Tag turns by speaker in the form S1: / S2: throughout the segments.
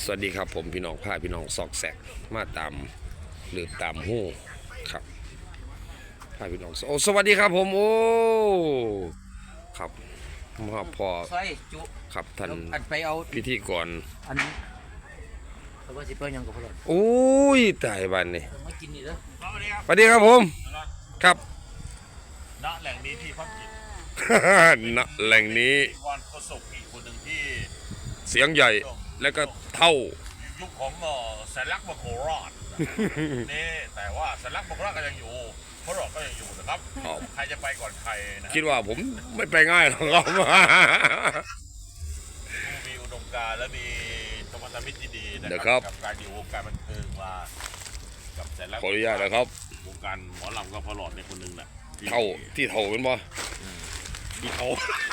S1: สวัสดีครับผมพี่น้องผ้าพี่น้องซอกแซกมาตามหรือตามหู้ครับผ้าพี่น้องโอ้สวัสดีครับผมโอ้ครับมาพอ
S2: ใช่จุ
S1: ครับท่าน
S2: อันไปเอา
S1: พิธีกร
S2: อันเขาว่าสิเปิ้ลยังกับพวกเรา
S1: โอ้ยตายบ้านนี่
S2: มากินนี่เด้อ
S1: สวัสดีครับผมครับ
S3: ณแหล่งนี้ที่พักจิต
S1: ณแหล่งนี้
S3: วันโฆษกอีกคนหนึ่งที่
S1: เสียงใหญ่แล้วก็เท่า
S3: ยุคของแสนลักษณ์มโคราชนี่แต่ว่าแสนลักษณ์มโคราชก็ยังอยู่พระรอดก็ยังอยู่นะครับ
S1: อ๋อ
S3: ใครจะไปก่อนใครนะ
S1: คิดว่าผมไม่ไปง่ายหรอกครับ
S3: มีอุดมการณ์และมีสมรรถมิตรที่ดีนะ
S1: เดี๋ยว
S3: ค
S1: ครั
S3: รับ กับการอยู่วงการบันเทิงมากับแสนลักษณ์
S1: ขออนุญาตนะครับ
S3: วงการหมอลำก็พระรอดในคนหนึ่งแหละที่
S1: เท่าที่เท่าเป็นบ่
S3: ที่เขา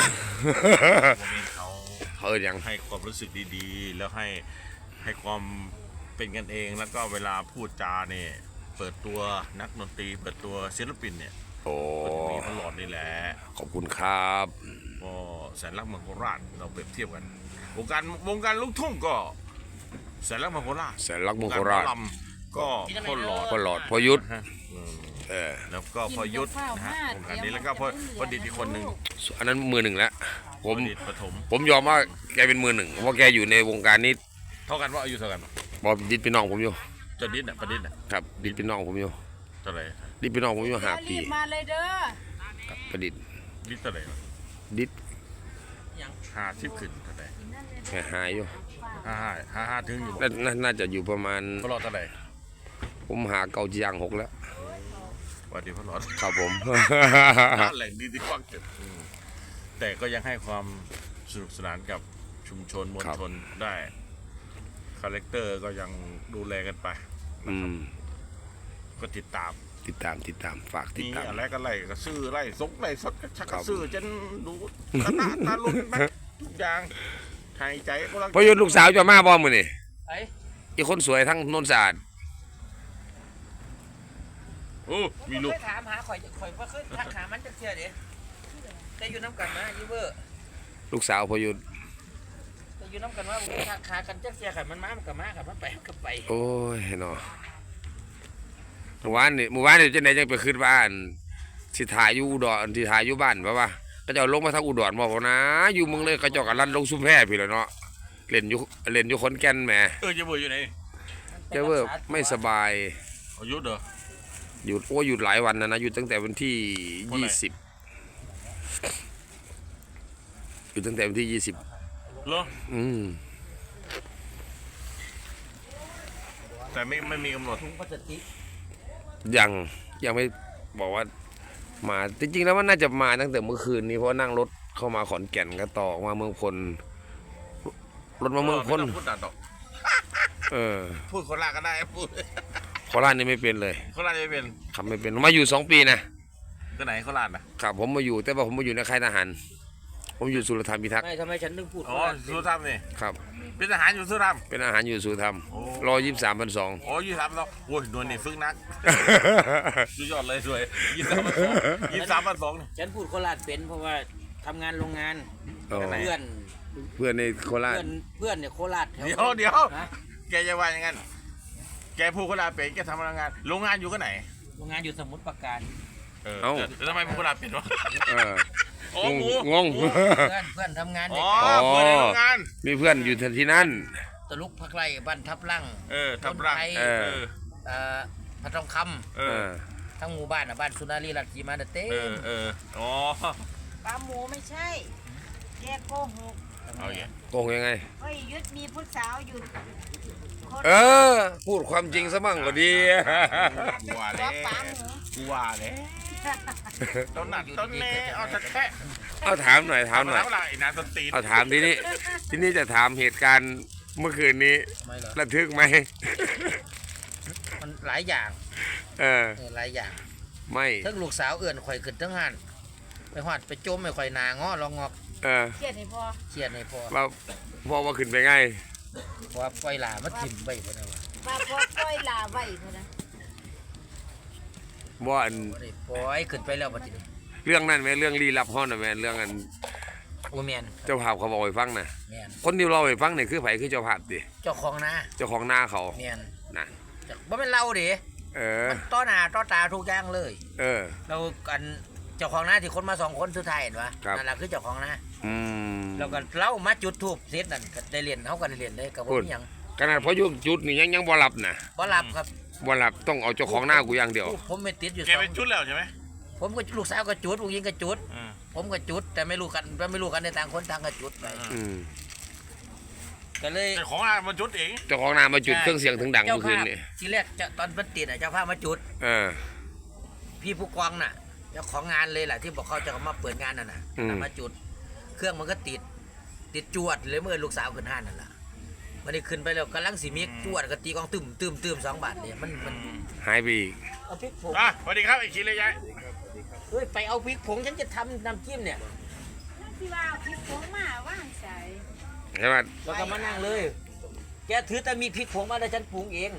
S3: เขา
S1: เฮ้ยยัง
S3: ให้ความรู้สึกดีๆ แล้วให้ความเป็นกันเองแล้วก็เวลาพูดจาเนี่ยเปิดตัวนักดนตรีเปิดตัวศิลปินเนี่ย
S1: โอ้
S3: ก็จะมีพระหลอดนี่แหละ
S1: ขอบคุณครับ
S3: ก็แสนรักเมืองโคราชเราเปรียบเทียบกันวงการลูกทุ่งก็แสนรักเมืองโคราช
S1: แสนรักเมืองโคราช
S3: วงกหมอลำก็พ่อหลอด
S1: พ่อหลอดพ่อยุทธ
S3: นะฮะ
S1: เออ
S3: แล้วก็พ่อยุทธนะฮะวงการนี้แล้วก็พ่อดิษฐ์อีกคนหนึ่ง
S1: อันนั้นมือหนึ่งแล้วผ
S3: พ่อ
S1: ม
S3: ดิษฐ์ปฐม
S1: ผมยอมว่าแกเป็นมือหนึ่งเพราะแกอยู่ในวงการนี้
S3: เท่ากันว่าอายุเท่ากันปะ
S1: บอกดิดพี่น้องผมอยู่
S3: เจะดิษฐ์น่ะประดิษฐ์น่ะ
S1: ครับดิดพี่น้องผมอยู่
S3: เท่าไหร่
S1: ดิดพี่น้องผมอยู่5 ปี
S4: รีบมาเลยเด้อ
S1: ครับประดิษฐ์
S3: ดิษฐ์เท่าไหร่วะ
S1: ดิด
S3: 50ขึ้นเท่าไหร่
S1: หายอยู่
S3: ห้าถึงอยู่บ่
S1: น่าจะอยู่ประมาณ
S3: พ่อหลอดเท่าไหร่
S1: ผมหาเก่าจียาง6แล้ว
S3: สวัสดีพ่อหลอด
S1: ครับผม
S3: แหล่งดีที่กว้างเกิดแต่ก็ยังให้ความสนุกสนานกับชุมชนมวลชนได้คาแรคเตอร์ก็ยังดูแลกันไป
S1: อืม
S3: ก็ติดตาม
S1: ติดตามฝากติด
S3: มี
S1: ตาม
S3: อะไรก็ไล่ก็ซื้อไล่ซกไล่สดก็ชัก
S1: ครั
S3: ก็
S1: บ
S3: ซื้อจนดูตาหน้าตาลุกนะทุกอย่างหายใจก็รัก
S1: พอยุทธลูกสาวจะมาบ่มื้อนี่
S2: ไอ้
S1: อีกคนสวยทั้งโนนสะอาด
S3: โอ้มีลูก
S2: เคยถามหาข่อยว่าเคยทักหามันจะเชื่อเด้แต่อยู่น้ำกันนะยูเวอร์
S1: ลูกสาวพอยุทธ
S2: แต่อยู่น้ำกันว่าผมทักหากันจะเชื่อกันมันมากับมากับมันไปกับไป
S1: โอ้ยเนาะเมื่อวานนี่จังได๋จังไปขึ้นบ้านสิถ่ายอยู่อุดรสิถ่ายอยู่บ้านป่ะวะก็เจ้าลงมาทางอุดรบ่พอนะอยู่เมืองเลยก็เจ้าก็ลั่นลงชุมแพพี่แหล้วเนาะเล่นอยู่ขอนแก่นแหม
S3: จะเบื่ออยู่ไหน
S1: แกเว่าไม่สบาย
S3: อายุเด้อ
S1: หยุดหยุดหลายวันนะหยุดตั้งแต่วันที่
S3: วันไหน
S1: 20หยุดตั้งแต่วันที่20
S3: เหรอ
S1: อืม
S3: แต่ไม่มีกำหนด
S2: ถุงพลาสติก
S1: ยังไม่บอกว่ามาจริงๆแล้วมันน่าจะมาตั้งแต่เมื่อคืนนี้เพราะนั่งรถเข้ามาขอนแก่นก็ต่อมาเมืองพลรถมาเมืองพล
S3: ไต้พูดตัดดอก
S1: เออ
S3: พูดคนละก็ได้พูด
S1: โคราชนี่ไม่เป็นเลย
S3: คนละจะเป็น
S1: ครับไม่เป็นมาอยู่2 ปีนะ
S3: ก็ไหนโคราชนะครับ
S1: ผมมาอยู่แต่ว่าผมมาอยู่ในค่ายทหารผมอยู่สุรธรรมพิทักษ์
S2: ไม่ทำไมฉันนึกพูด
S3: อ๋อสุธรรมนี่
S1: ครับ
S3: เป็นทหารอยู่สุธรรม
S1: เป็นอาหารอยู่สุรธรรม
S3: โอ้
S1: 123,200
S3: โอ้ยี่สามแล้วโอ้ยนวลนี่ฝึกนักสุดยอดเลยสวย23,200นี่
S2: ฉันพูดโคราชเป็นเพราะว่าทำงานโรงงาน
S1: อ๋อ
S2: เพื่อน
S1: เพื่อนในโคราช
S2: เพื่อนเนี่ยโคราชแถว
S3: เดี๋ยว
S2: ฮะ
S3: แกจะว่าอย่างงั้นแกพูดโคราชเป็นแกทำโรงงานโรงงานอยู่ก็ไหน
S2: โรงงานอยู่สมุทรปราการ
S3: แต่ทำไมพูดโคราชเป็นวะ
S1: เออ
S3: โอ้หมู
S1: งง
S2: เพื่อนทำงาน
S3: อ๋
S2: เด็
S3: อก เพื่อนในโรงงาน
S1: มีเพื่อนอยู่ที่นั่น
S2: ตะลุกพักไร่บ้านทับลั่ง
S3: ทับรัง
S2: คนไทย
S1: เออ
S2: พระทองค
S3: เออ
S2: ำทั้งหมู่บ้านบ้านสุนารีรัตน์กีมาเต้
S3: อ๋อ
S4: ปลาหมูไม่ใช่ แกโกหก
S3: เอาอย่าง
S1: โกงยังไง
S4: เฮ้ยยุทธมีผู้สาวอยู่คน
S1: เออ พูดความจริงซะมั่งก็ดี
S3: กูว่า
S4: ตั
S3: แล้ว
S4: ปลาหมู
S3: กูว่าแล้วต้นหนักต้นเน่เอาสักแค่
S1: เอาถามหน่อย
S3: แล้วไอ้นานต้นตีน
S1: เอาถามทีนี้จะถามเหตุการณ์เมื่อคืนนี้
S2: ไม่เหรอ
S1: ระทึกไหม
S2: มันหลายอย่าง
S1: เออ
S2: หลายอย่าง
S1: ไม่
S2: ทั้งลูกสาวเอื่นข่อยขึ้นทั้งหันไปหอดไปจมไปข่อยนาง้อลองงอก
S1: เออ
S4: เครียดให้พอ
S2: เครียดในพอ
S1: ว่าพ่อว่าขึ้นไปไง
S2: เพราะว่าปล่อยหลามาถิ่มไปพอนะวะ
S4: ปลาพอปล่อยลาไว้พอนะ
S1: ว่าอัน
S2: บ่ได้ปล่อยขึ้นไปแล้วบัดนี้
S1: เรื่องนั้นไหมเรื่องลี้ลับห้องน่ะแม่เรื่องอัน
S2: โอ้แมน
S1: เจ้าภาพเขาบอกให้ฟังน่ะ
S2: แมน
S1: คนที่เราให้ฟังนี่คือไผคือเจ้าภาพติ
S2: เจ้าของนา
S1: เจ้าของหน้าเขา
S2: แมน
S1: น่ะ
S2: บ่เป็นเราดิ
S1: เออ
S2: มันต้อหน้าต้อตาทุกอย่างเลย
S1: เออ
S2: เรากันเจ้าของนาที่คนมา2คนสุดท้ายเห็นปะ
S1: ครับ
S2: นั่นแหละคือเจ้าของนา
S1: อืม
S2: แล้วก็เล่ามาจุดทูบเสร็จนั่นก็ได้เรียนเขาก็ได้เรียนเลยกับผมมีหยัง
S1: ขนาดพออยู่จุดนี่ยังบ่หลับน่ะ
S2: บ่รับครับ
S1: บ่หลับต้องเอาเจ้าของหน้ากูอย่างเดียว
S2: ผมไม่ติดอยู่
S3: แก
S2: สอ
S3: ไป
S2: ง
S3: จุดแล้วใช่ไหม
S2: ผมก็ลูกสาวก็จุดผู้หญิงก็จุด
S3: อืม
S2: ผมก็จุดแต่ไม่รู้กันในต่างคนต่างก็จุดไป
S1: อืม
S2: ก็เลย
S3: แต่ของอามาจุดเอง
S1: เจ้าของหน้ามาจุดเครื่องเสียงถึงดัง
S2: เจ้า
S1: เมื่อคื
S2: ภาน พ
S1: นี่
S2: ทีแรกตอนมันติดเจ้าภาพมาจุด
S1: เออ
S2: พี่ผู้กองน่ะเจ้าของงานเลยแหละที่บอกเขาจะมาเปิดงานน่ะนะ
S1: อืม
S2: มาจุด เครื่องมันก็ติดจวดเลยเมื่อลูกสาวขึ้นห้านนั่นแหละมันได้ขึ้นไปแล้วกำลังสีมิกจวดก็ตีกองตึม2 บาทเลยมัน
S1: หายไปอีก
S2: เอาพริกผง
S3: อ่ะสวัสดีครับไอ้คิดเลยยาย
S2: เฮ้ยไปเอาพริกผงฉันจะทำน้ำจิ้มเนี่ย
S4: ที่ว่าเอาพริกผงมาว่างใส่
S1: ใช่ไหม
S2: แล้วก็มานั่งเลย แกถือแต่มีพริกผงมาแล้วฉันปรุงเอง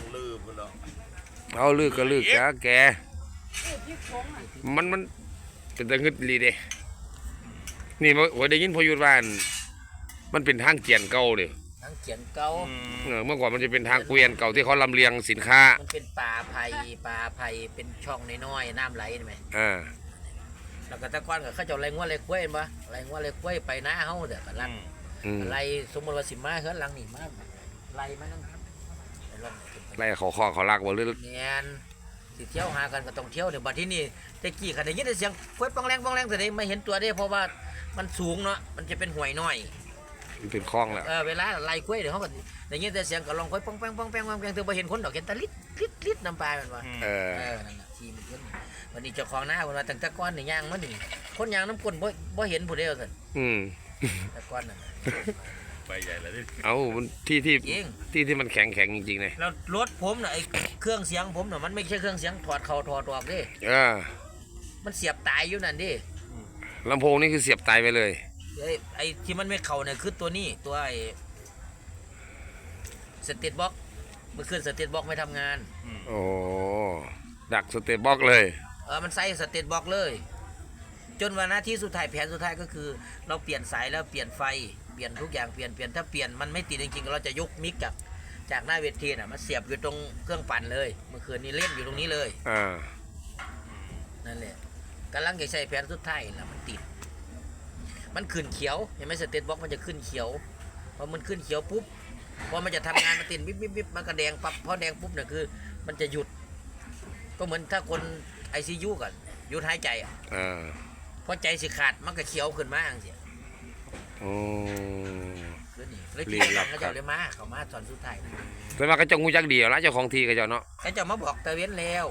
S1: เอาลึกก็ลึกจ้าแก
S4: พริกผงอ่ะ
S1: มันเป็นตะงึดลีเด้นี่ว่าได้ยินพอยุดว่าอันมันเป็นทางเกียนเก่าเด้
S2: ทั้งเขียนเกา
S1: เมื่อก่อนมันจะเป็นทางเกวียนเก่าที่เขาลำเลียงสินค้า
S2: มันเป็นป่าไผ่เป็นช่องน้อยๆน้ำไหลเห็นไหม
S1: อ่า
S2: แล้วก็ตะก้อนกับเขาเจ้าไรงัวไรกล้วยเห็นปะไรงัวไรกล้วยไปหน้าเฮาเด้อกันลัง
S1: อืม
S2: ไรสมมติว่าสิมาเฮือนหลังนี่มาไรมานั่งไปลอง
S1: ไล่เขาข้อเขาลากบ่หรือ
S2: เนียนสิเที่ยวหากันก็ต้องเที่ยวเดี๋ยวบัดที่นี่ตะกี้ขันได้ยินแต่เสียงกล้วยปองแรงแต่ได้ไม่เห็นตัวได้เพราะว่ามันสูงเนาะมันจะเป็นห่วยน้อย
S1: มันเป็นคลองแล้ว
S2: เวลาไล่กล้วยเดี๋ยวเขาก็ได้ยินแต่เสียงก็ลองกล้วยปองแป้งถึงไปเห็นคนดอกเห็นแตะลิดน้ำปลามันว่า
S1: เออ
S2: นั่นน่ะทีมันขึ้นวันนี้เจ้าของหน้าคนว่าตั้งแต่ก้อนนี่ย่างมันนี่คนย่างน้ำก้นบ่เห็นผู้เดียวสิ
S1: อืม
S2: แต่ก้อนนั่นน่ะ
S3: ไปใหญ่เลยดิ
S1: เอามันที่
S2: จริง
S1: ที่มันแข็งจริงๆเลย
S2: แล้วรถผมน่ะไอ้เครื่องเสียงผมน่ะมันไม่ใช่เครื่องเสียงถอดเข่าถอดออกดิ
S1: เออ
S2: มันเสียบตายอยู่นั่นดิ
S1: ลำโพงนี่คือเสียบตายไปเลย
S2: ไอ้ที่มันไม่เข่าเนี่ยคือตัวนี้ตัวไอ้สเตตบ็อกเมื่อคืนสเตตบ็อกไม่ทำงาน
S1: โอ้ดักสเตปบล็อกเลย
S2: มันใส่สเตตบ็อกเลย จนวันหน้าที่สุดท้ายแผนสุดท้ายก็คือ เราเปลี่ยนสายแล้วเปลี่ยนไฟเปลี่ยนทุกอย่างเปลี่ยนถ้าเปลี่ยนมันไม่ติดจริงๆเราจะยกมิกจากหน้าเวทีน่ะมาเสียบอยู่ตรงเครื่องปั่นเลย เมื่อคืนนี้เล่นอยู่ตรงนี้เลย
S1: อ่า
S2: นั่นแหละกำลังจะใช้แผนสุดท้ายแล้วมันติด มันขึ้นเขียวเห็นไหมสเตตบ็อกมันจะขึ้นเขียวพอมันขึ้นเขียวปุ๊บพอมันจะทำงานมันติดวิบมันก็แดงปั๊บพอแดงปุ๊บเนี่ยคือ มันจะหยุด ก็เหมือนถ้าคนICUกันหยุดหายใจอ่ะ
S1: อ่า
S2: พอใจสิขาดมันก็เขียวขึ้นมาอย่างเสีย
S1: โอ้
S2: คือนี่เลย
S1: รี
S2: ที่
S1: บ
S2: ห
S1: รั
S2: ลั
S1: บ
S2: งเขาเจ้าเลยมาเขามาตอนสุดท้ายนะ
S1: แต่ว่าก็เจ้างูจักเดียวแล้วเจ้าของทีก็เจ้าเนาะ
S2: เขาเจะมาบอกตะเว้นแล้ว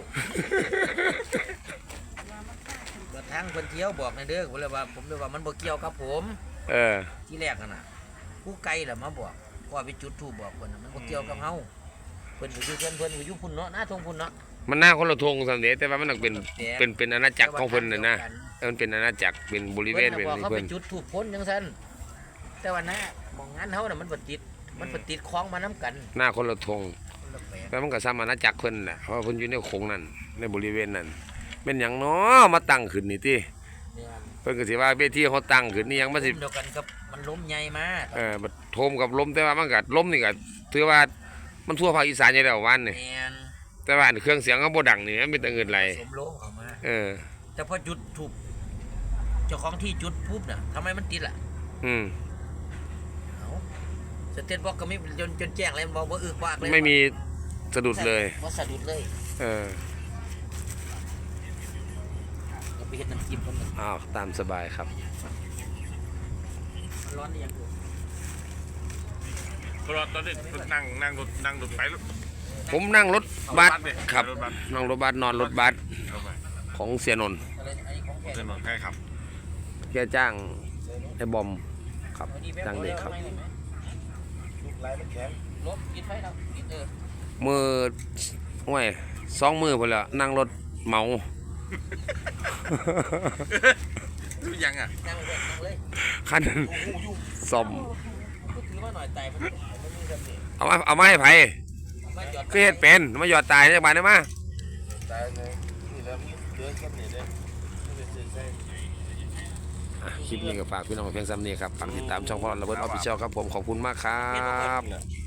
S2: กระทั่งคนเที่ยวบอกในเด้อผมเลยว่ามันบ่เกี่ยวกับผม
S1: เออ
S2: ที่แรกน่ะผู้ไกลแหละมาบอกว่าไปจุดทูบบอกคนน่ะมันบ่เกี่ยวกับเฮาเพิ่นอยู่เพิ่นอยู่พุ่นเนาะหน้าทงพุ่นเนาะ
S1: มันหน้าคนละทงสำเร็จแต่ว่ามันต้องเป็นอาณาจักรของเพิ่นน่ะนะมันเป็นอาณาจักรเป็นบริเวณ
S2: เพิ่
S1: เป็น
S2: นน่ะบอกเขา
S1: เพิ่
S2: ไป
S1: น
S2: จุดทูบพ้นจังซั่นแต่ว่าหน้ามองงานเฮาน่ะมันบ่ติดคล้องมานํกัน
S1: หน้าคนละทง
S2: คนละแปลก
S1: แล้วมันก็ซ้ำอาณาจักรเพิ่นน่ะเพราะว่าเพิ่นอยู่ในโขงนั้นในบริเวณนั้นเป็นหยังเนาะมาตั้งขึ้นนี่ติ
S2: เนี่ย
S1: เพิ่นก็สิว่าเวทีเขาตั้งขึ้นนี่ยังมาสิ
S2: เดียวกันกับมันล้มใหญ่มา
S1: บัดโทมกับลมแต่ว่ามันก็ลมนี่ก็ถือว่ามันทั่วภาคอีสานอยู่แล้ววันนี่
S2: แม่น
S1: แต่ว่าเครื่องเสียงก็บ่ดังนี่มันมีแต่เงินไหล
S2: สมโลเข้ามา
S1: เออ
S2: แต่พอจุดทูบเจ้าของที่จุดปุ๊บน่ะทำไมมันติดล่ะ
S1: อืม
S2: เอ้าสเตตบอกก็ไม่จนแจ้งเลยมันบอกว่าอึกวากเลย
S1: ไม่มีสะดุดเลย
S2: บ่สะดุดเลย
S1: เออ
S2: ก็ไปเฮ็ดน้ำจิ้มมัน
S1: อ้าวตามสบายครับ
S2: ร้อนนี่ยังอยู่
S3: ตลอดตอนนี้นั่งรถไปรถ
S1: ผมนั่งรถบัส
S3: เอารถบัสดิ
S1: ครับ
S3: รถบัส
S1: นั่งรถบัสนอนรถบัส
S3: เข้าไป
S1: ของเสียนนท์
S2: อะไรไอ้ของแขก
S3: ถนนใครขับ
S1: แกจ้างไอ้บอมครับจ้างเด็กครับ
S2: ลบกินไฟแล้วกิน
S1: มือห้วย2 มือพุ่นแล้วนั่งรถเหมา
S3: รู้ยังอ่ะ
S2: นั่งเลยนั่งเลย
S1: คันนั้นซ่อม
S2: ก็ถือมาหน่อยตายมันมีแบบนี้
S1: เอามาให้ไผ
S2: มาจอด
S1: คือเฮ็ดเป็นมาหยอดตายจักบาทได้มา
S3: ตายเลยนี่แล้วเดือดกันนี่เด้
S1: อคลิปนี้ก็ฝากพี่น้องเพียงซ้ำนี้ครับฝากติดตามช่องพ่อระเบิดออฟฟิเชียลครับผมขอบคุณมากครับ